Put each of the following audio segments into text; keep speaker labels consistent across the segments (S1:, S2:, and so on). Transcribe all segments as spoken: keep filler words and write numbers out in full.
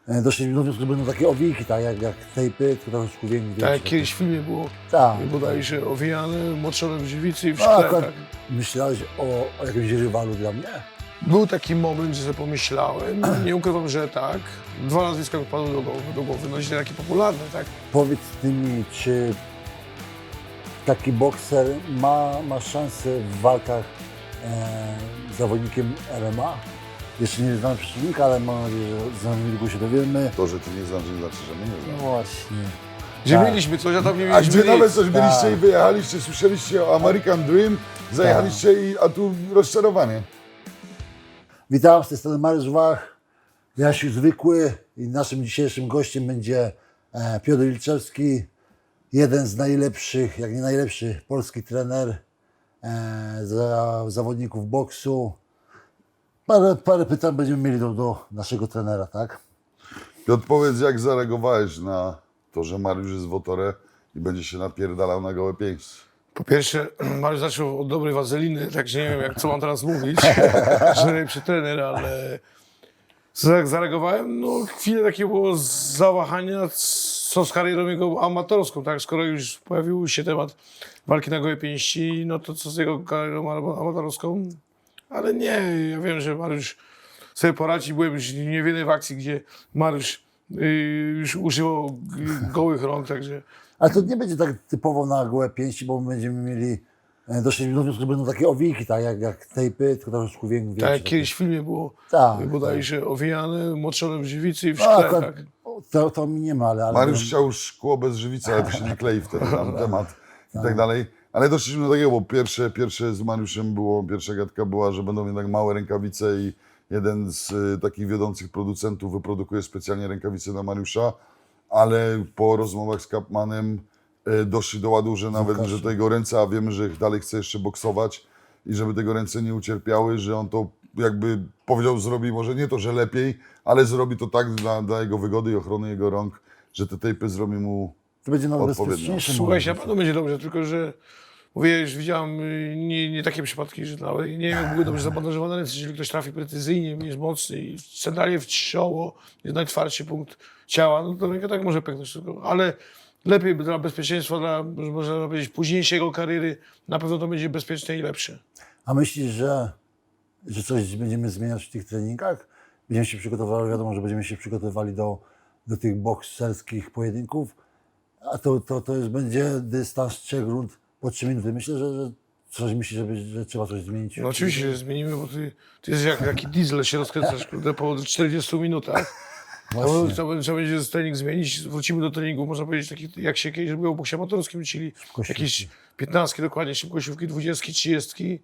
S1: doszliśmy do wniosku, że będą takie owijki, tak jak, jak tejpy, tylko troszkę większe.
S2: Tak jak kiedyś w filmie było,
S1: Tak.
S2: bodajże owijane, moczone w żywicy i w
S1: A,
S2: szkle.
S1: akurat
S2: Tak.
S1: myślałeś o, o jakimś rywalu dla mnie?
S2: Był taki moment, że sobie pomyślałem, nie ukrywam, że tak. Dwa nazwiska mi padły do głowy, do głowy. No źle takie popularne, tak?
S1: Powiedz ty mi, czy taki bokser ma, ma szansę w walkach e, z zawodnikiem M M A? Jeszcze nie znam przeciwnika, ale mam nadzieję, że za niedługo się dowiemy.
S3: To, że ty nie znasz, nie znaczy, że my nie
S1: No
S3: znamy.
S1: właśnie.
S2: Gdzie
S1: Tak.
S2: mieliśmy coś, a tam nie
S3: A
S2: mieliśmy
S3: gdzie
S2: nic.
S3: nawet coś byliście
S1: Tak.
S3: i wyjechaliście, słyszeliście o American Dream, zajechaliście i, a tu rozczarowanie.
S1: Witam, z tej strony Mariusz Wach, Jasiu Zwykły i naszym dzisiejszym gościem będzie e, Piotr Ilczewski, jeden z najlepszych, jak nie najlepszy polski trener e, za, zawodników boksu. Parę, parę pytań będziemy mieli do, do naszego trenera, tak?
S3: Piotr, powiedz, jak zareagowałeś na to, że Mariusz jest w Otore i będzie się napierdalał na gołe pięści?
S2: Po pierwsze, Mariusz zaczął od dobrej wazeliny, także nie wiem, jak, co mam teraz mówić, że najlepszy trener, ale jak zareagowałem, no chwilę takiego było zawahania, co z karierą jego amatorską, tak? Skoro już pojawił się temat walki na gołe pięści, no to co z jego karierą amatorską? Ale nie, ja wiem, że Mariusz sobie poradzi. Byłem już nie w jednej w akcji, gdzie Mariusz yy, już używał gołych rąk, także...
S1: Ale to nie będzie tak typowo na gołe pięści, bo my będziemy mieli, e, doszliśmy do wniosku, że będą takie owijki, tak jak, jak tejpy, tylko troszkę większe.
S2: Tak jak kiedyś w filmie było,
S1: Tak,
S2: bodajże owijane, moczone w żywicy i w
S1: No,
S2: szkle.
S1: akurat
S2: Tak.
S1: to, to mi nie ma, ale... ale
S3: Mariusz chciał szkło bez żywicy, ale to się nie klei wtedy tam temat i tak dalej. Ale doszliśmy do takiego, bo pierwsze, pierwsze z Mariuszem było, pierwsza gadka była, że będą jednak małe rękawice i jeden z y, takich wiodących producentów wyprodukuje specjalnie rękawice na Mariusza, ale po rozmowach z Kapmanem y, doszli do ładu, że nawet,
S1: Łukasz.
S3: że to jego ręce, a wiemy, że dalej chce jeszcze boksować i żeby tego ręce nie ucierpiały, że on to jakby powiedział, zrobi może nie to, że lepiej, ale zrobi to tak dla, dla jego wygody i ochrony jego rąk, że te tejpy zrobi mu
S1: To będzie nawet
S3: odpowiednio.
S1: bezpieczniejsze.
S2: Słuchajcie, na
S1: może.
S2: pewno będzie dobrze, tylko że mówię, już widziałem y, nie, nie takie przypadki, że nawet nie wiem, jak były dobrze zabandażowane ręce, jeżeli ktoś trafi precyzyjnie, jest mocny i centralnie w czoło, jest najtwardszy punkt ciała, no to ręka tak może pęknąć tylko, ale lepiej dla bezpieczeństwa, dla, można powiedzieć, późniejszej jego kariery, na pewno to będzie bezpieczne i lepsze.
S1: A myślisz, że, że coś będziemy zmieniać w tych treningach? Będziemy się przygotowywali, wiadomo, że będziemy się przygotowywali do, do tych bokserskich pojedynków, a to, to, to już będzie dystans trzech rund po trzy minuty. Myślę, że, że coś myślisz, że, będzie- że trzeba coś zmienić.
S2: No oczywiście, że zmienimy, bo ty, ty jesteś jak taki diesel, się rozkręcasz kurde, po czterdziestu minutach. To,
S1: Właśnie.
S2: to, trzeba będzie trening zmienić, wrócimy do treningu, można powiedzieć, takich, jak się kiedyś było w boksie amatorskim, czyli
S1: Szybkościówki.
S2: jakieś piętnastki, dokładnie szybkościówki, dwudziestki, trzydziestki.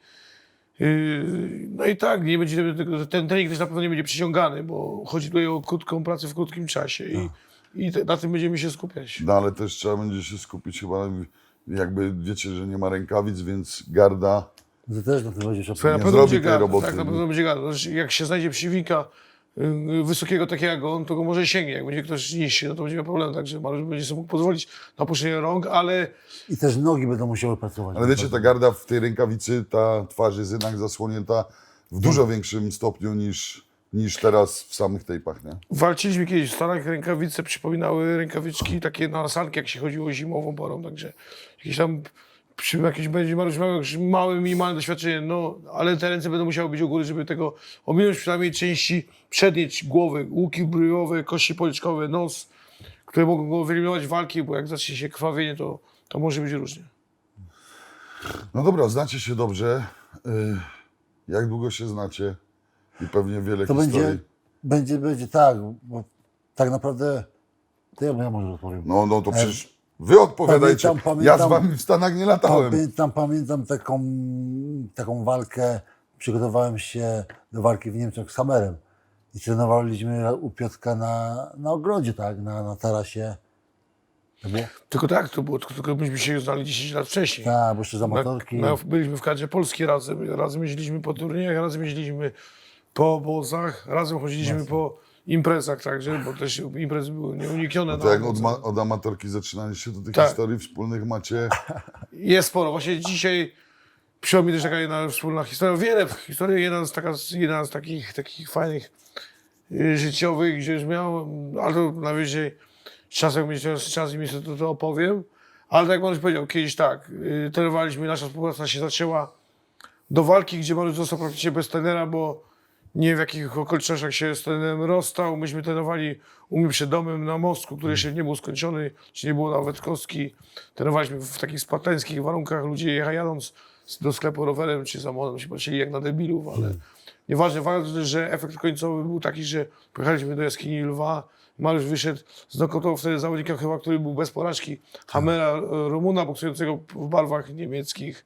S2: Yy, no i tak, nie będzie, tego- ten trening też na pewno nie będzie przyciągany, bo chodzi tutaj o krótką pracę w krótkim czasie i, i te, na tym będziemy się skupiać.
S3: No ale też trzeba będzie się skupić chyba, na- jakby wiecie, że nie ma rękawic, więc garda.
S1: To też na tym będzie trzeba
S2: Słuchaj, na
S3: nie
S2: pewno
S3: zrobi
S2: będzie
S3: tej
S2: gada,
S3: roboty.
S2: tak, na pewno będzie gada. Znaczy, jak się znajdzie przeciwnika yy, wysokiego takiego jak on, to go może sięgnie. Jak będzie ktoś niższy, no to będzie miał problem, także Mariusz będzie sobie mógł pozwolić na opuszczenie rąk, ale
S1: I też nogi będą musiały pracować.
S3: Ale wiecie, ta garda w tej rękawicy, ta twarz jest jednak zasłonięta w dużo większym stopniu niż, niż teraz w samych tejpach, nie?
S2: walczyliśmy kiedyś w Stanach, rękawice przypominały rękawiczki takie na sanki, jak się chodziło zimową porą, także jakieś tam, przy, jakieś będzie Mariusz miał jakieś małe, minimalne doświadczenie, no, ale te ręce będą musiały być u góry, żeby tego ominąć przynajmniej części przedniej głowy, łuki bryjowe, kości policzkowe, nos, które mogą go wyeliminować walki, bo jak zacznie się krwawienie, to, to może być różnie.
S3: No dobra, znacie się dobrze. Y, Jak długo się znacie? I pewnie wiele
S1: To
S3: historii.
S1: będzie, będzie, będzie tak, bo tak naprawdę, to ja, ja może odpowiem.
S3: No, no to przecież wy odpowiadajcie.
S1: Pamiętam,
S3: Ja
S1: pamiętam.
S3: z wami w Stanach nie latałem.
S1: Pamiętam, pamiętam taką, taką walkę, przygotowałem się do walki w Niemczech z Hammerem i trenowaliśmy u Piotrka na, na ogrodzie, tak, na, na tarasie. Tak było?
S2: Tylko tak to było, tylko, tylko myśmy się znali dziesięć lat wcześniej.
S1: Tak, bo jeszcze z amatorki.
S2: Na, na, byliśmy w kadrze polskiej razem, razem jeździliśmy po turniejach, razem jeździliśmy po obozach, razem chodziliśmy po imprezach także, bo też imprezy były nieuniknione.
S3: No to
S2: na
S3: jak od,
S2: obozach.
S3: ma, od amatorki zaczynaliście, to tych
S2: Tak.
S3: historii wspólnych macie.
S2: Jest sporo. Właśnie dzisiaj przyszła mi też taka jedna wspólna historia. Wiele historii, jedna z, taka, jedna z takich, takich fajnych y, życiowych, gdzie już miałem, ale to najwyżej z czasem, jak będzie czas i mi to, to opowiem. Ale tak jak Mariusz powiedział, kiedyś tak, y, trenowaliśmy, nasza współpraca się zaczęła do walki, gdzie Mariusz został praktycznie bez trenera, bo nie wiem w jakich okolicznościach się z trenerem rozstał. Myśmy trenowali u mnie przed domem na mostku, który jeszcze nie był skończony, czy nie było nawet kostki. Trenowaliśmy w takich spartańskich warunkach, ludzie jecha- jadąc do sklepu rowerem czy samochodem się patrzyli jak na debilów, ale nieważne, ważne, że efekt końcowy był taki, że pojechaliśmy do jaskini Lwa. Mariusz wyszedł, znokautował wtedy zawodnika chyba, który był bez porażki, Hamera, e, Rumuna, boksującego w barwach niemieckich.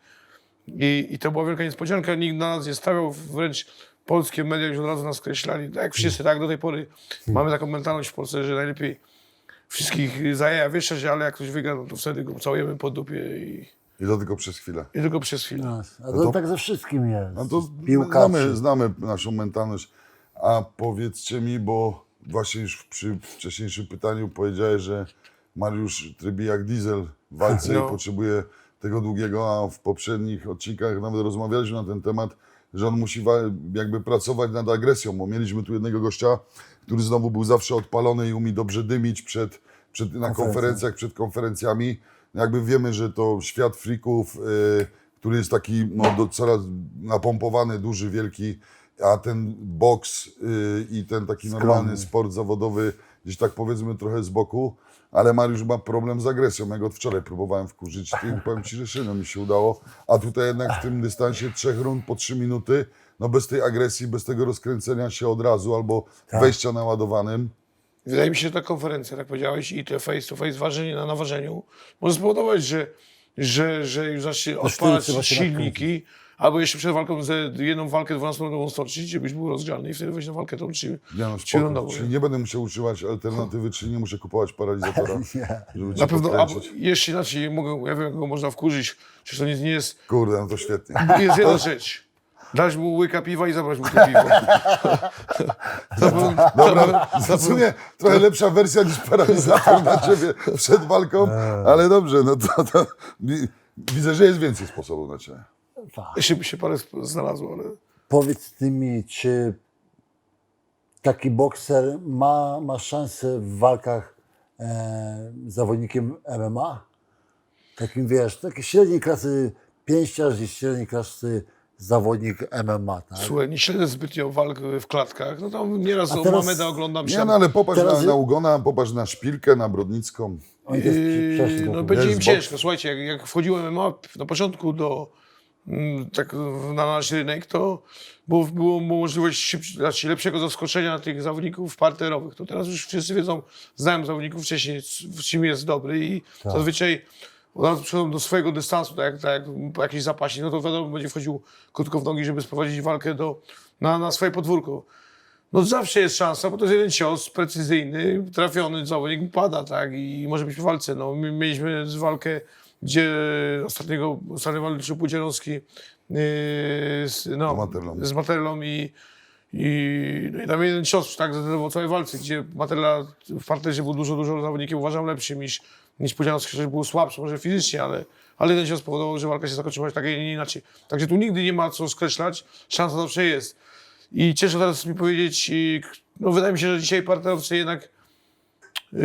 S2: I, I to była wielka niespodzianka, nikt na nas nie stawiał, wręcz polskie media już od razu nas skreślali. Tak jak wszyscy, tak do tej pory mamy taką mentalność w Polsce, że najlepiej wszystkich za jaja wieszać, ale jak ktoś wygra, no to wtedy go całujemy po dupie i,
S3: I to tylko przez chwilę.
S2: i tylko przez chwilę.
S1: No, a to,
S3: to-
S1: tak ze wszystkim jest.
S3: No to
S1: Piłkarzy.
S3: znamy, znamy naszą mentalność. A powiedzcie mi, bo właśnie już przy wcześniejszym pytaniu powiedziałeś, że Mariusz trybi jak diesel w walce
S2: No.
S3: i potrzebuje tego długiego, a w poprzednich odcinkach nawet rozmawialiśmy na ten temat, że on musi wa- jakby pracować nad agresją, bo mieliśmy tu jednego gościa, który znowu był zawsze odpalony i umie dobrze dymić przed, przed, na
S1: Konferencje.
S3: konferencjach, przed konferencjami. Jakby wiemy, że to świat frików, y, który jest taki no, do, coraz napompowany, duży, wielki, a ten boks y, i ten taki
S1: Skromny.
S3: normalny sport zawodowy gdzieś tak powiedzmy trochę z boku, ale Mariusz ma problem z agresją. Ja go od wczoraj próbowałem wkurzyć i powiem Ci, że szyno mi się udało, a tutaj jednak w tym dystansie trzech rund po trzy minuty, no bez tej agresji, bez tego rozkręcenia się od razu albo
S1: Tak.
S3: wejścia naładowanym.
S2: Wydaje mi się, że ta konferencja, jak powiedziałeś, i te face to face, ważenie na naważeniu, może spowodować, że, że, że już zacznie odpalać
S1: trzeba się
S2: silniki, albo jeszcze przed walką ze jedną walkę dwunastominutową stoczyć, żebyś był rozgrzany i wtedy wejść na walkę tą trzy,
S3: Nie no,
S2: trzy
S3: spoko.
S2: rundową.
S3: Czyli nie będę musiał używać alternatywy, czyli nie muszę kupować paralizatora,
S1: Nie.
S3: żeby cię
S2: Na pewno, albo
S3: podkręcić.
S2: jeszcze inaczej, mogę, ja wiem, jak go można wkurzyć, przecież to nie, nie jest,
S3: Kurde, no to świetnie.
S2: jest jedna rzecz. Dać mu łyka piwa i zabrać mu to piwo. To był,
S3: Dobra,
S2: to był,
S3: w sumie trochę lepsza wersja niż paralizator na ciebie przed walką, ale dobrze, no to, to wi- widzę, że jest więcej sposobów na ciebie.
S1: Tak.
S2: jeszcze by się parę znalazło, ale...
S1: Powiedz ty mi, czy taki bokser ma, ma szansę w walkach e, z zawodnikiem M M A? Takim wiesz, taki średniej klasy pięściarz i średniej klasy zawodnik M M A, tak?
S2: Słuchaj, nie śledzę zbytnio walk w klatkach. No tam nieraz
S1: A
S2: o
S1: teraz-
S2: Mameda oglądam się.
S3: Nie, no ale popatrz
S1: Teraz-
S3: na, na Ugona, popatrz na Szpilkę, na Brodnicką.
S1: Oni też
S2: Yy,
S1: przeszli
S2: no
S1: do
S2: będzie
S3: Wiesz,
S2: im
S3: z
S2: ciężko. Słuchajcie, jak, jak wchodziłem M M A na początku do mm, tak na nasz rynek, to było, było możliwość szybci, znaczy lepszego zaskoczenia tych zawodników parterowych. To teraz już wszyscy wiedzą, znają zawodników wcześniej, w czym jest dobry i
S1: Tak.
S2: zazwyczaj od razu przychodzą do swojego dystansu, tak jak, tak jak po jakiś zapaśnik, no to wiadomo, będzie wchodził krótko w nogi, żeby sprowadzić walkę do, na, na swoje podwórko. No zawsze jest szansa, bo to jest jeden cios precyzyjny, trafiony zawodnik pada, tak, i może być w walce. No, my mieliśmy walkę, gdzie ostatniego, ostatnio walczył Pudzianowski yy, z, no,
S3: Z Materlą.
S2: z Materlą i, i, no i tam jeden cios, tak, zdecydował o całej walce, gdzie Materla w parterze był dużo, dużo zawodnikiem, uważam, lepszym niż, niż Pudzianowski, chociaż był słabszy, może fizycznie, ale, ale ten cios spowodował, że walka się zakończyła tak, a nie inaczej. Także tu nigdy nie ma co skreślać, szansa zawsze jest. I cieszę teraz mi powiedzieć, i, no wydaje mi się, że dzisiaj parterowcy jednak yy,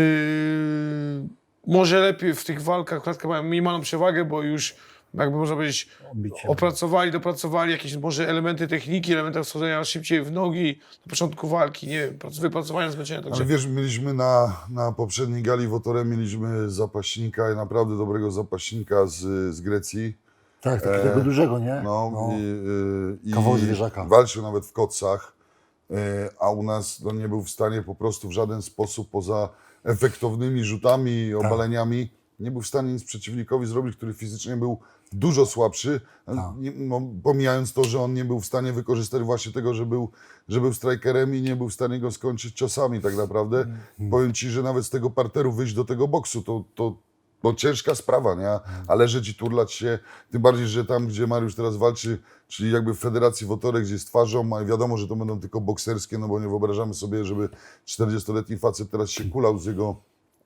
S2: może lepiej w tych walkach klatkę mają minimalną przewagę, bo już jakby można powiedzieć
S1: Bicie.
S2: opracowali, dopracowali jakieś może elementy techniki, elementy wchodzenia szybciej w nogi na początku walki, nie wiem, prac- wypracowania zmęczenia. Także
S3: Ale wiesz, mieliśmy na, na poprzedniej gali w Otorem mieliśmy zapaśnika, naprawdę dobrego zapaśnika z, z Grecji.
S1: Tak, takiego dużego, nie?
S3: No,
S1: No.
S3: i, y, i
S1: Kawał zwierzaka.
S3: walczył nawet w kocach, y, a u nas no, nie był w stanie po prostu w żaden sposób poza efektownymi rzutami i
S1: Tak.
S3: obaleniami, nie był w stanie nic przeciwnikowi zrobić, który fizycznie był dużo słabszy,
S1: Tak.
S3: nie, no, pomijając to, że on nie był w stanie wykorzystać właśnie tego, że był, że był strikerem i nie był w stanie go skończyć ciosami tak naprawdę.
S1: Mhm.
S3: Powiem Ci, że nawet z tego parteru wyjść do tego boksu, to, to no ciężka sprawa, nie? A leżeć i turlać się, tym bardziej, że tam, gdzie Mariusz teraz walczy, czyli jakby w Federacji Wotorek, gdzie jest twarzą, a wiadomo, że to będą tylko bokserskie, no bo nie wyobrażamy sobie, żeby czterdziestoletni facet teraz się kulał z jego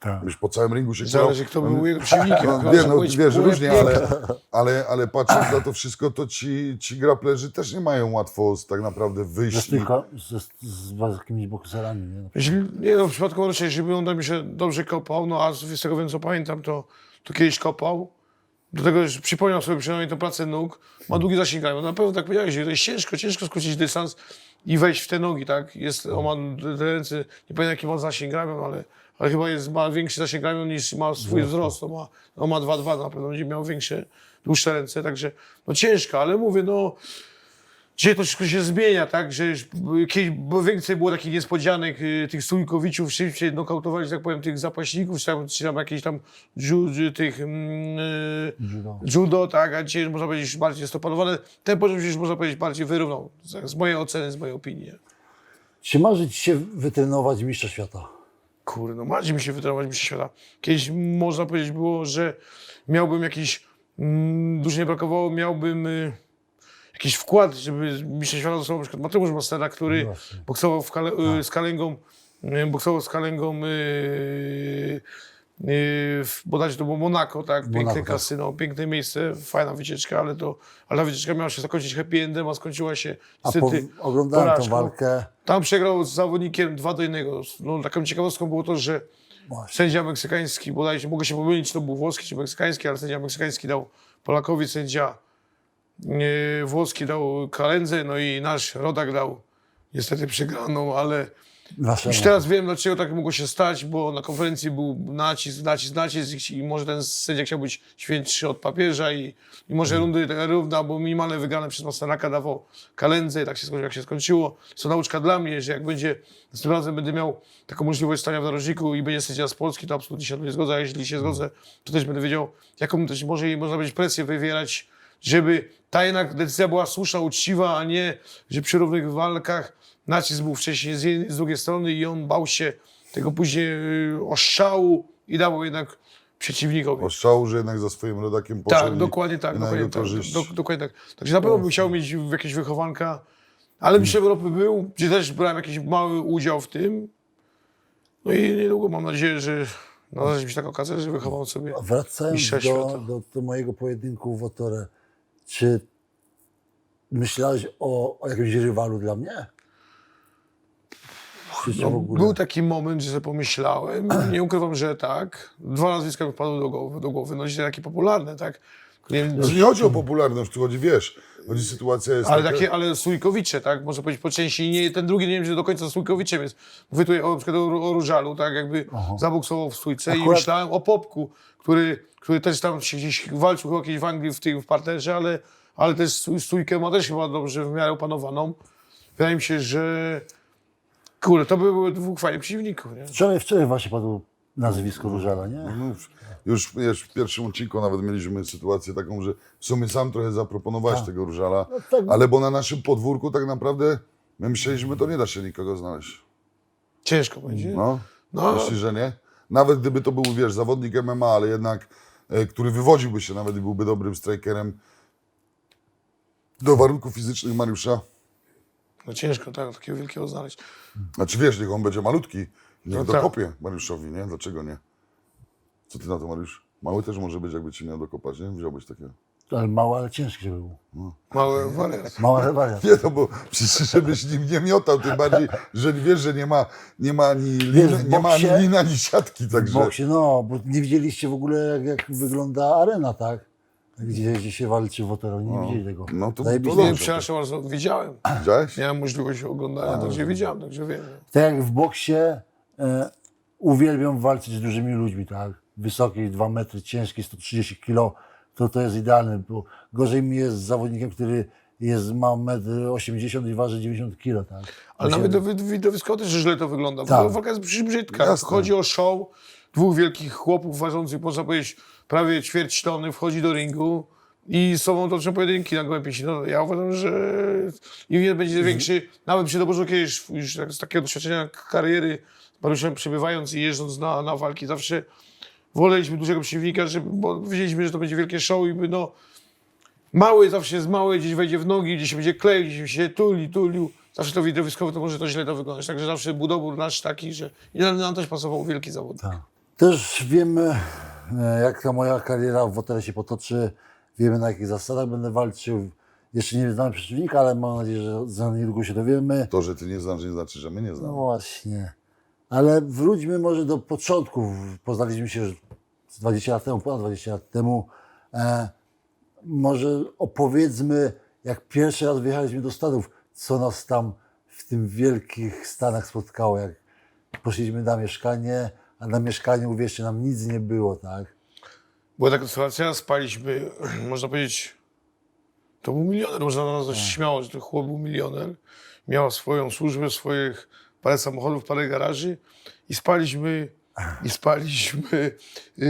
S1: Tak.
S3: Byś po całym ringu się
S2: Zależy, kto był jego przeciwnikiem.
S3: No,
S2: Proszę
S3: wie, no,
S2: powiedzieć,
S3: wiesz,
S2: były
S3: różnie,
S2: piękne.
S3: ale, ale, ale patrząc na to wszystko, to ci, ci graplerzy też nie mają łatwo z, tak naprawdę
S1: Ze
S3: wyjść. I,
S1: styka, ze, z, z jakimiś bokserami, nie?
S2: Jeśli, nie no, w przypadku Marusia, jeżeli on tam się dobrze kopał, no a z tego wiem, co pamiętam, to, to kiedyś kopał. Do tego, że przypomniał sobie przynajmniej tę pracę nóg, ma długi zasięg. No na pewno tak powiedziałeś, że to jest ciężko, ciężko skrócić dystans i wejść w te nogi, tak? Jest, on ma te ręce, nie pamiętam jaki ma zasięg ramion, ale, ale chyba jest, ma większy zasięg ramion niż ma swój wzrost. On ma, on ma dwa dwa, na pewno będzie miał większe, dłuższe ręce, także no ciężko, ale mówię, no dzisiaj to wszystko się zmienia, tak, że już kiedyś bo więcej było takich niespodzianek, y, tych stójkowiczów, szybciej nokautowali, że tak powiem, tych zapaśników, czy tam, czy tam jakieś tam ju, ju, tych mm, y,
S1: Judo.
S2: judo, tak, a dzisiaj można powiedzieć bardziej jest to panowane. Ten poziom się już można powiedzieć bardziej wyrównał, z, z mojej oceny, z mojej opinii.
S1: Czy marzy ci się wytrenować mistrza świata?
S2: Kurde, no marzy mi się wytrenować mistrza świata. Kiedyś można powiedzieć było, że miałbym jakiś, mm, dużo nie brakowało, miałbym y, jakiś wkład, żeby mistrza świata został na przykład Mateusz Mastera, który
S1: Właśnie.
S2: boksował w kale, y, z Kalengą, y, boksował z Kalengą y, y, w, bodajże to było Monako, tak, piękne
S1: Monako, tak.
S2: kasyno, piękne miejsce, fajna wycieczka, ale to, ale ta wycieczka miała się zakończyć happy endem, a skończyła się
S1: A po,
S2: niestety
S1: oglądałem tą
S2: porażką.
S1: walkę.
S2: Tam przegrał z zawodnikiem dwa do jednego. No, taką ciekawostką było to, że
S1: Właśnie.
S2: sędzia meksykański, bodajże, mogę się pomylić, czy to był włoski czy meksykański, ale sędzia meksykański dał Polakowi, sędzia e, włoski dał Kalendze, no i nasz rodak dał niestety przegraną, ale
S1: Naszemu.
S2: już teraz wiem, dlaczego tak mogło się stać, bo na konferencji był nacisk, nacisk, nacisk i może ten sędzia chciał być świętszy od papieża i, i może rundy taka równa, bo minimalne wygrane przez Masteraka dawał Kalendze i tak się skończyło, jak się skończyło. To nauczka dla mnie, że jak będzie, następnym razem będę miał taką możliwość stania w narożniku i będzie sędzia z Polski, to absolutnie się nie zgodzę, a jeśli się zgodzę, to też będę wiedział, jaką też może, można będzie presję wywierać, żeby ta jednak decyzja była słuszna, uczciwa, a nie, że przy równych walkach nacisk był wcześniej z jednej, z drugiej strony i on bał się tego później yy, oszału i dawał jednak przeciwnikowi.
S3: Ostrzału, że jednak za swoim rodakiem poszedł.
S2: Tak,
S3: i-
S2: dokładnie tak,
S3: i na
S2: dokładnie
S3: jego
S2: tak,
S3: korzyść.
S2: do, dokładnie tak. Także na pewno bym chciał mieć jakieś wychowanka, ale Mistrzem Europy był, gdzie też brałem jakiś mały udział w tym. No i niedługo mam nadzieję, że nadarzy mi się taka okazja, że wychowam sobie
S1: Wracając
S2: mistrza
S1: do,
S2: świata.
S1: do, do mojego pojedynku w Otorę, czy myślałeś o, o jakimś rywalu dla mnie? Czy czy
S2: No,
S1: w ogóle?
S2: był taki moment, że sobie pomyślałem, nie ukrywam, że tak. Dwa nazwiska mi wpadły do głowy, do głowy. no dzisiaj takie popularne, tak. Nie wiem,
S3: To nie chodzi o popularność, tu chodzi, wiesz, chodzi sytuacja jest
S2: ale
S3: taka,
S2: takie, ale Sójkowicze, tak, można powiedzieć po części, nie, ten drugi nie wiem, że do końca Sójkowiczem jest. Mówię tutaj o, na przykład o, o Różalu, tak, jakby zaboksował w Sójce i
S1: Akurat-
S2: myślałem o Popku, który, który też tam się gdzieś walczył chyba kiedyś w Anglii w tym w parterze, ale, ale też Sój- Sójkę ma też chyba dobrze w miarę opanowaną. Wydaje mi się, że kurde, to by były dwóch fajnych przeciwników, nie?
S1: Wczoraj, wczoraj właśnie padło nazwisko Różala, nie?
S3: no, już, już w pierwszym odcinku nawet mieliśmy sytuację taką, że w sumie sam trochę zaproponowałeś
S1: Tak.
S3: tego Różala,
S1: No tak.
S3: ale bo na naszym podwórku tak naprawdę my myśleliśmy, że to nie da się nikogo znaleźć.
S2: Ciężko będzie.
S3: No,
S2: No.
S3: myślisz, że nie? Nawet gdyby to był, wiesz, zawodnik M M A, ale jednak, e, który wywodziłby się nawet i byłby dobrym strikerem do warunków fizycznych Mariusza.
S2: No ciężko tak, takiego wielkiego znaleźć.
S3: Znaczy wiesz, niech on będzie malutki, niech
S2: No tak.
S3: dokopie Mariuszowi, nie? Dlaczego nie? Co ty na to, Mariusz? Mały też może być, jakby ci miał dokopać, nie? Wziąłbyś takiego.
S1: Ale mało, ale ciężki, żeby był.
S2: Mały wariat.
S1: Mała ale wariat.
S3: Nie, no bo przecież żebyś nim nie miotał, tym bardziej, że wiesz, że nie ma, nie ma ani,
S1: Wiesz,
S3: liny,
S1: w
S3: nie ma ani
S1: boksie-
S3: liny, ani siatki,
S1: W
S3: także...
S1: boksie, no, bo nie widzieliście w ogóle, jak, jak wygląda arena, tak? Gdzie, gdzie się walczy w Otorze, nie widzieli tego.
S3: no to-
S1: Zajebiście.
S3: to
S2: Nie,
S3: dobrze.
S2: przepraszam bardzo, widziałem.
S3: Widziałeś?
S2: Miałem możliwość oglądania, także widziałem, także wiem.
S1: Tak jak w boksie e, uwielbiam walczyć z dużymi ludźmi, tak? Wysoki, dwa metry, ciężki, sto trzydzieści kilo, to to jest idealne, bo gorzej mi jest z zawodnikiem, który jest, ma metr osiemdziesiąt i waży dziewięćdziesiąt kilo, tak?
S2: Ale
S1: Właśnie-
S2: nawet do widowiskowo też źle to wygląda.
S1: Tak.
S2: Tak. Walka jest przecież brzydka.
S3: Jasne.
S2: Chodzi o show dwóch wielkich chłopów ważących, można powiedzieć, prawie ćwierć tony, wchodzi do ringu i z sobą toczą pojedynki na gołębie pięści. No, ja uważam, że im nie będzie większy, nawet przy doborze kiedyś już tak, z takiego doświadczenia kariery, z Mariuszem przebywając i jeżdżąc na, na walki, zawsze woleliśmy dużego przeciwnika, żeby, bo wiedzieliśmy, że to będzie wielkie show i by no mały zawsze jest mały, gdzieś wejdzie w nogi, gdzieś się będzie kleił, gdzieś się tuli, tulił. Zawsze to widowiskowo to może to źle to wyglądać. Także zawsze budobór nasz taki, że i nam nam też pasował wielki zawód.
S1: Tak. Też wiemy, e, jak ta moja kariera w hotelu się potoczy, wiemy, na jakich zasadach będę walczył. Jeszcze nie znamy przeciwnika, ale mam nadzieję, że za niedługo się dowiemy.
S3: To, że ty nie znasz, nie znaczy, że my nie
S1: No
S3: znamy.
S1: właśnie. Ale wróćmy może do początków. Poznaliśmy się już dwadzieścia lat temu, ponad dwadzieścia lat temu. E, może opowiedzmy, jak pierwszy raz wyjechaliśmy do Stanów, co nas tam w tym wielkich Stanach spotkało. Jak poszliśmy na mieszkanie, a na mieszkaniu, uwierzcie, nam nic nie było, tak?
S2: Była taka sytuacja, spaliśmy, można powiedzieć, to był milioner, można na nas śmiało, że to chłop był milioner. Miał swoją służbę, swoich parę samochodów, parę garaży i spaliśmy, i spaliśmy yy,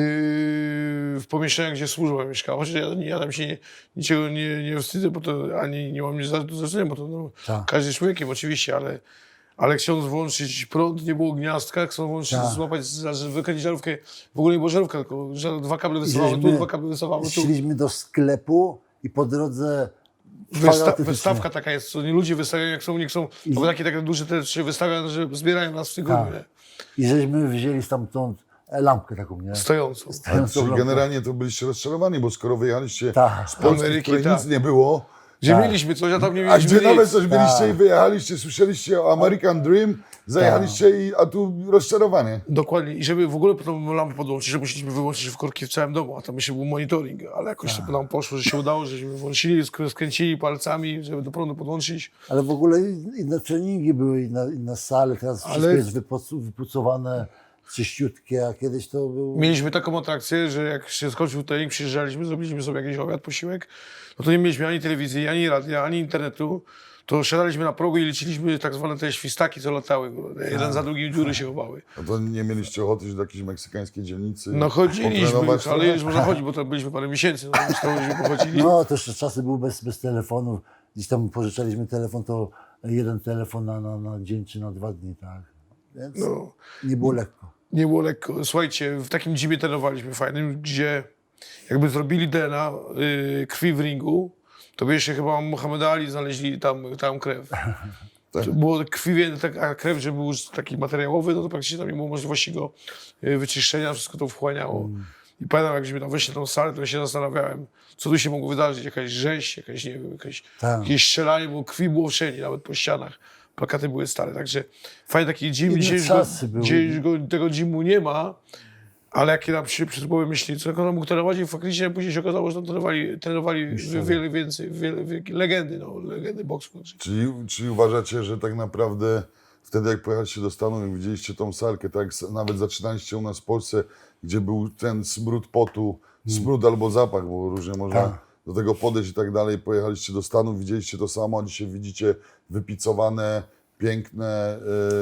S2: w pomieszczeniach, gdzie służba mieszkała. Chociaż ja, ja tam się nie, niczego nie, nie wstydzę, bo to ani nie mam nic do zaczynania, bo to no,
S1: Tak.
S2: każdy jest człowiekiem oczywiście, ale, ale chcąc włączyć prąd, nie było gniazdka, chcąc włączyć,
S1: Tak.
S2: złapać, za- wykręcić żarówkę, w ogóle nie było żarówka, tylko że dwa kable wystawały tu,
S1: żeśmy
S2: dwa kable wystawały tu.
S1: Szliśmy do sklepu i po drodze
S2: Wysta
S1: fanatycznie-
S2: wystawka taka jest, co nie ludzie wystawiają, jak są, nie chcą,
S1: I-
S2: bo takie, takie duże te się wystawiają, że zbierają nas w tygodniu,
S1: Tak.
S2: nie?
S1: I żeśmy wzięli stamtąd lampkę taką, nie?
S2: Stojącą.
S3: Ale
S1: Stojącą
S3: czyli
S1: lampkę.
S3: generalnie to byliście rozczarowani, bo skoro wyjechaliście
S1: Tak.
S3: z Polski,
S2: Ameryki,
S3: w której
S2: tak.
S3: nic nie było,
S2: Gdzie
S1: Tak.
S2: mieliśmy coś, a tam nie
S3: a
S2: mieliśmy
S3: gdzie nawet
S2: nic.
S3: coś byliście
S1: Tak.
S3: i wyjechaliście, słyszeliście o American Dream, zajechaliście i, a tu rozczarowanie.
S2: Dokładnie. I żeby w ogóle tą lampę podłączyć, że musieliśmy wyłączyć w korki w całym domu, a tam jeszcze był monitoring, ale jakoś
S1: Tak.
S2: to nam poszło, że się udało, żeśmy włączyli, sk- skręcili palcami, żeby do prądu podłączyć.
S1: Ale w ogóle inne treningi były, inne, inne sale, teraz
S2: Ale-
S1: wszystko jest wypuc- wypucowane, czyściutkie, a kiedyś to był...
S2: Mieliśmy taką atrakcję, że jak się skończył trening, przyjeżdżaliśmy, zrobiliśmy sobie jakiś obiad, posiłek, no to nie mieliśmy ani telewizji, ani radia, ani internetu. To siadaliśmy na progu i liczyliśmy tak zwane te świstaki, co latały. Jeden za drugim dziury się chowały.
S3: A to nie mieliście ochoty się do jakiejś meksykańskiej dzielnicy
S2: No chodziliśmy,
S3: potrenować
S2: ale
S3: trochę?
S2: już można chodzić, bo to byliśmy parę miesięcy, no to żeśmy pochodzili.
S1: No, to jeszcze czasy były bez, bez telefonów. Gdzieś tam pożyczaliśmy telefon, to jeden telefon na, na, na dzień czy na dwa dni, tak. Więc
S2: No,
S1: nie było lekko.
S2: nie było lekko. Słuchajcie, w takim gymie trenowaliśmy fajnym, gdzie jakby zrobili D N A y, krwi w ringu, to by jeszcze chyba Mohamed Ali znaleźli tam, tam krew.
S3: Tak.
S2: To było krwi, wie- taka krew, że był już taki materiałowy, no to praktycznie tam nie było możliwości go y, wyczyszczenia, wszystko to wchłaniało. I pamiętam, jak żeśmy tam weszli na tą salę, to ja się zastanawiałem, co tu się mogło wydarzyć, jakaś rzeź, jakieś, nie wiem, jakieś,
S1: Tak.
S2: jakieś strzelanie, bo krwi było wszędzie, nawet po ścianach. Plakaty były stare, także fajny taki gym.
S1: Inne
S2: Dzisiaj już, go,
S1: czasy były.
S2: dzisiaj już go, tego gymu nie ma, ale jak nam się przy głowie myśli, co on mógł trenować i faktycznie później się okazało, że tam trenowali, trenowali wiele więcej, wiele, wiele, legendy, no, legendy boksu.
S3: Czyli, czyli uważacie, że tak naprawdę wtedy jak pojechaliście do Stanów, jak widzieliście tą salkę, tak jak s- nawet zaczynaliście u nas w Polsce, gdzie był ten smród potu, smród albo zapach, bo różnie można
S1: Tak.
S3: do tego podejść i tak dalej, pojechaliście do Stanów, widzieliście to samo, a dzisiaj widzicie wypicowane, piękne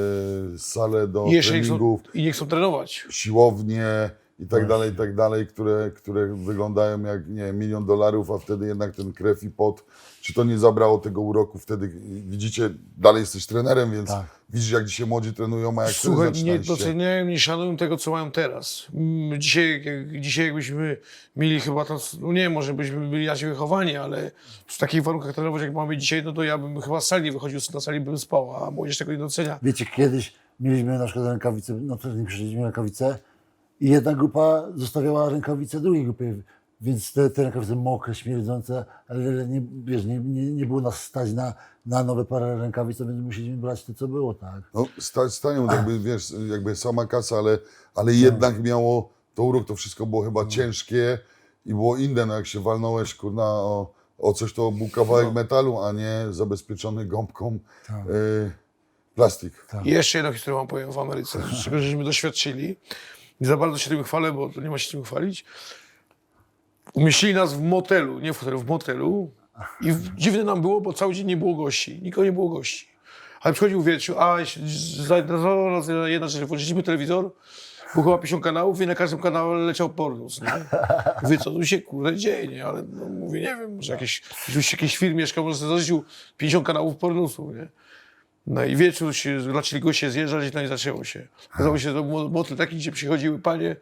S3: e, sale do
S2: I jeszcze nie chcą,
S3: treningów,
S2: i nie chcą trenować.
S3: siłownie i tak dalej, i tak dalej, które, które wyglądają jak nie wiem, milion dolarów, a wtedy jednak ten krew i pot, czy to nie zabrało tego uroku wtedy, widzicie, dalej jesteś trenerem, więc
S1: Tak.
S3: widzisz jak dzisiaj młodzi trenują, a jak wtedy
S2: Słuchaj, nie
S3: zaczynaliście.
S2: doceniają, nie szanują tego, co mają teraz. Mm, Dzisiaj, jak- dzisiaj jakbyśmy mieli chyba to, no nie wiem, może byśmy byli inaczej wychowani, ale w takich warunkach trenować, jak mamy dzisiaj, no to ja bym chyba z sali nie wychodził, na sali bym spał, a młodzież tego nie docenia.
S1: Wiecie, kiedyś mieliśmy na przykład rękawice, no to nie przyszliśmy rękawice i jedna grupa zostawiała rękawice drugiej grupie, więc te, te rękawice mokre, śmierdzące, ale nie, wiesz, nie, nie, nie było nas stać na, na nowe parę rękawic, więc musieliśmy brać to, co było, tak.
S3: No, stać stanią, jakby wiesz, jakby sama kasa, ale, ale jednak miało to urok, to wszystko było chyba ciężkie i było inne, no jak się walnąłeś, kurna, o, o coś, to był kawałek metalu, a nie zabezpieczony gąbką
S1: Tak.
S3: y, plastik.
S2: I jeszcze jedną historię wam powiem w Ameryce, czego żeśmy doświadczyli. Nie za bardzo się tym chwalę, bo to nie ma się tym chwalić. Umieścili nas w motelu, nie w hotelu, w motelu. I w- dziwne nam było, bo cały dzień nie było gości. Nikogo nie było gości. Ale przychodził wieczór, a zainteresowała nas jedna rzecz, włączyliśmy telewizor, było chyba pięćdziesiąt kanałów i na każdym kanale leciał pornus, nie? Mówię, co tu się kurde dzieje, nie? Ale no, mówię, nie wiem, może jakieś, już jakiś film mieszkał, może sobie zarzucił pięćdziesiąt kanałów pornusu, nie? No i wieczór się, zaczęli goście zjeżdżać, no i zaczęło się. Okazało się, że to był motel taki, gdzie przychodziły panie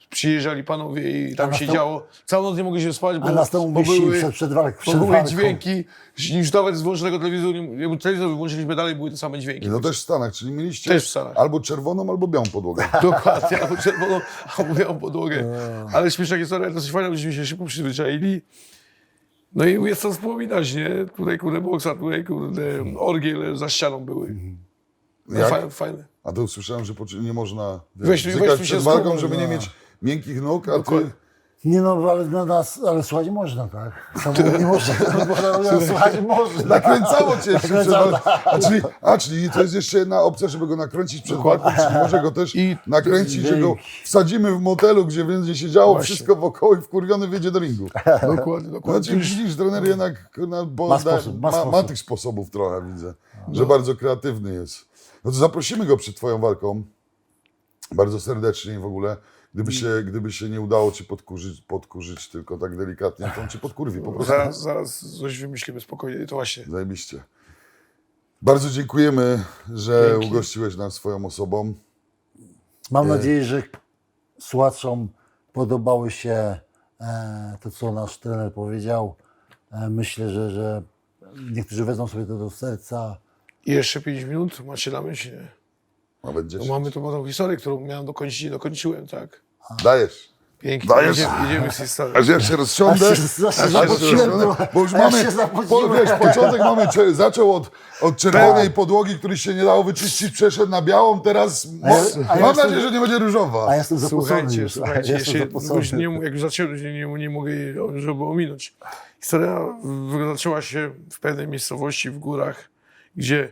S2: przyjeżdżali panowie i tam
S1: A
S2: się
S1: nastał-
S2: działo. Całą noc nie mogli się spać, bo,
S1: A nas to
S2: bo
S1: umieścili
S2: były,
S1: przed, przed, walk,
S2: bo
S1: przed
S2: były
S1: walką.
S2: dźwięki. Już nawet z włączonego telewizoru, nie- telewizor wyłączyliśmy dalej, były te same dźwięki.
S3: I to też w Stanach, czyli mieliście
S2: Też w Stanach.
S3: albo czerwoną, albo białą podłogę.
S2: Dokładnie, albo czerwoną, albo białą podłogę. Ale śmieszna historia, dosyć fajna, byśmy się szybko przyzwyczaili. No i jest to wspominać, nie? Tutaj kurde boksa, tutaj kurde orgiel za ścianą były. No,
S3: Jak?
S2: fa- fajne.
S3: A to usłyszałem, że poczy- nie można
S2: Weź-
S3: wiesz,
S2: weź
S3: bzykać
S2: tu się
S3: przed walką,
S2: schowaj,
S3: żeby nie
S1: no.
S3: mieć miękkich nóg, a ty...
S2: Dokładnie.
S1: Nie no, ale na nas, ale słuchać można, tak? Samo nie można, można słuchać można.
S3: Nakręcało cię jeszcze przed
S1: Nakręcało,
S3: walką. A czyli, a, czyli to jest jeszcze jedna opcja, żeby go nakręcić przed walką, czyli może go też
S2: I-
S3: nakręcić, że go wsadzimy w motelu, gdzie będzie się działo
S2: Właśnie.
S3: wszystko wokoło i wkurwiony wyjdzie do ringu.
S2: Dokładnie,
S3: No
S2: dokładnie.
S3: czyli widzisz, trener jednak kurna, bo
S1: Ma
S3: da,
S1: sposób, ma
S3: ma, ma
S1: sposób.
S3: tych sposobów trochę, widzę, że bardzo kreatywny jest. No to zaprosimy go przed twoją walką, bardzo serdecznie i w ogóle. Gdyby się, gdyby się nie udało cię podkurzyć, podkurzyć tylko tak delikatnie, to on cię podkurwi po prostu.
S2: Zaraz, zaraz coś wymyślimy spokojnie, to właśnie.
S3: Zajebiście. Bardzo dziękujemy, że
S2: Dzięki.
S3: ugościłeś nas swoją osobą.
S1: Mam nadzieję, że słuchaczom podobały się e, to, co nasz trener powiedział. E, myślę, że, że niektórzy wezmą sobie to do serca.
S2: I jeszcze pięć minut, macie na myśli.
S3: A będzie
S2: No mamy tu tą historię, którą miałem dokończyć i dokończyłem, tak?
S3: Dajesz.
S2: Pięknie,
S3: Dajesz?
S2: jedziemy, jedziemy z historią.
S3: Aż ja się rozsiądę.
S1: Aż się- aż się
S3: aż
S1: zapociłem,
S3: rozsiądę, bo już
S1: aż
S3: mamy,
S1: się
S3: po,
S1: zapociłem.
S3: wiesz, początek mamy, cze- zaczął od, od czerwonej
S1: Tak.
S3: podłogi, który się nie dało wyczyścić, przeszedł na białą, teraz mo-
S1: A ja- a ja
S3: mam
S1: jestem-
S3: nadzieję, że nie będzie różowa.
S1: A ja jestem zapocony
S2: Słuchajcie,
S1: już.
S2: słuchajcie,
S1: ja
S2: jeszcze,
S1: jestem
S2: już
S1: zapocony.
S2: nie, jak już zacząłem, nie, nie, nie mogę jej, żeby ominąć. Historia w- zaczęła się w pewnej miejscowości w górach, gdzie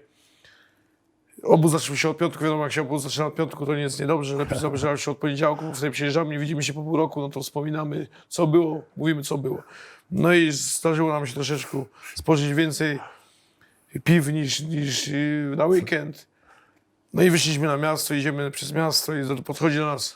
S2: obóz zaczął się od piątku. Wiadomo, jak się obóz zaczyna od piątku, to nie jest niedobrze. Lepiej zaczynał się od poniedziałku. Wtedy przyjeżdżamy, nie widzimy się po pół roku, no to wspominamy, co było, mówimy, co było. No i zdarzyło nam się troszeczkę spożyć więcej piw niż, niż yy, na weekend. No i wyszliśmy na miasto, idziemy przez miasto i podchodzi do nas,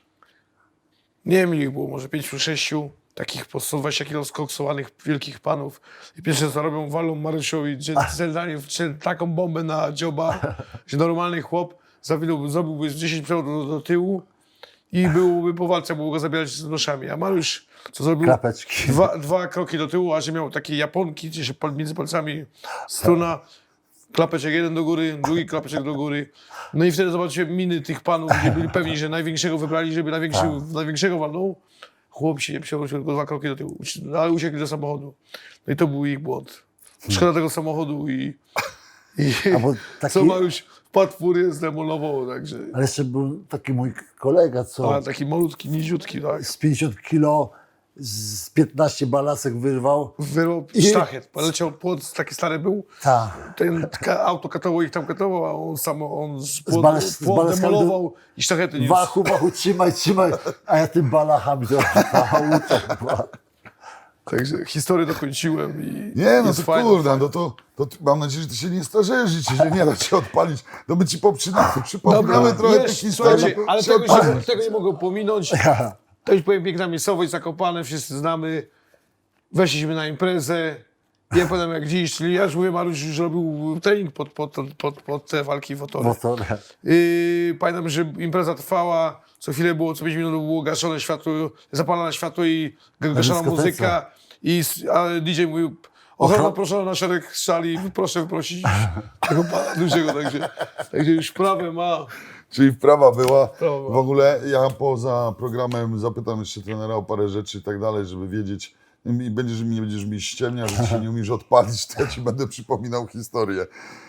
S2: nie wiem ile ich było, może pięciu, sześciu takich po sto dwadzieścia kilo skoksowanych wielkich panów. I pierwsze co robią, walą Marysiowi centralnie taką bombę na dzioba, że normalny chłop zawinął, zrobiłby z dziesięć przewodów do, do tyłu i byłby po walce, mógł go zabierać z noszami. A Maryś co zrobił?
S1: Klapeczki.
S2: Dwa, dwa kroki do tyłu, a że miał takie japonki, gdzie się pal- między palcami struna, klapeczek jeden do góry, drugi klapeczek do góry. No i wtedy zobaczyłem miny tych panów, gdzie byli pewni, że największego wybrali, żeby największy, największego walnął. Chłop się nie przewrócił, tylko dwa kroki do tyłu, no, ale uciekli do samochodu. No i to był ich błąd. Szkoda tego samochodu i, i
S1: A bo taki-
S2: co Mariusz wpadł w furię, zdemolował, także...
S1: Ale jeszcze był taki mój kolega, co
S2: A, taki malutki, niziutki, tak.
S1: z pięćdziesiąt kilo z piętnaście balasek wyrwał.
S2: Wyrwał
S1: I-
S2: sztachet, poleciał płot, taki stary był.
S1: Ta.
S2: Ten ka- auto katował ich tam katował, a on sam on z
S1: Z
S2: płot,
S1: bale- z
S2: płot
S1: baleskami
S2: demolował i sztachety niósł.
S1: Wachu, wachu, trzymaj, trzymaj. A ja tym balachami to auto.
S2: Także historię dokończyłem i
S3: Nie, no
S2: jest
S3: to
S2: fajne.
S3: kurde, no to, to ty- mam nadzieję, że ty się nie starzejesz, że ci się nie da cię odpalić. To my ci poprzynamy, przypominamy trochę tych
S2: Wiesz,
S3: historii.
S2: słuchajcie, ale
S3: się
S2: tego, się,
S3: odpalisz.
S2: tego nie mogę pominąć. To już powiem, piękna miejscowość, Zakopane, wszyscy znamy. Weszliśmy na imprezę. Nie pamiętam jak dziś, czyli ja już mówię, Mariusz już robił trening pod, pod, pod, pod te walki w Otorze.
S1: Motorem.
S2: Yy, pamiętam, że impreza trwała, co chwilę było, co pięć minut było gaszone światło, zapalane światło i g- gaszona
S1: dyskotece.
S2: muzyka. I s- a D J mówił, ochrona
S1: Ochro-
S2: proszę na szereg sali, proszę wyprosić tego pana dużego, także, także już prawe ma.
S3: Czyli wprawa była.
S2: Wprawa była.
S3: W ogóle ja poza programem zapytam jeszcze trenera o parę rzeczy i tak dalej, żeby wiedzieć. I będziesz mi, nie będziesz mi ściemniał, że się nie umiesz odpalić, to ja ci będę przypominał historię.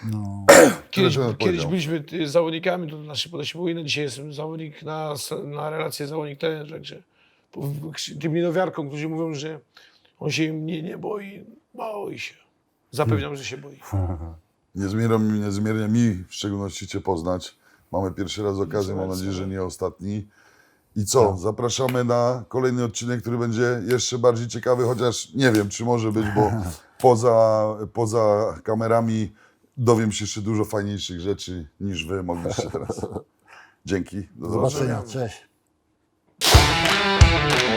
S2: Kiedyś,
S3: trener
S2: kiedyś
S3: powiedział.
S2: byliśmy y, zawodnikami, to nasze podejście było inne. Dzisiaj jestem zawodnik na, na relację zawodnik-trener, także po- tym niedowiarkom, którzy mówią, że on się mnie nie boi, boi się. Zapewniam, że się boi.
S3: Niezmiernie, niezmiernie mi w szczególności cię poznać. Mamy pierwszy raz okazję, mam nadzieję, że nie ostatni. I co? Zapraszamy na kolejny odcinek, który będzie jeszcze bardziej ciekawy, chociaż nie wiem, czy może być, bo poza, poza kamerami dowiem się jeszcze dużo fajniejszych rzeczy niż wy mogliście teraz. Dzięki. Do
S1: Do
S3: zobaczenia.
S1: zobaczenia, cześć.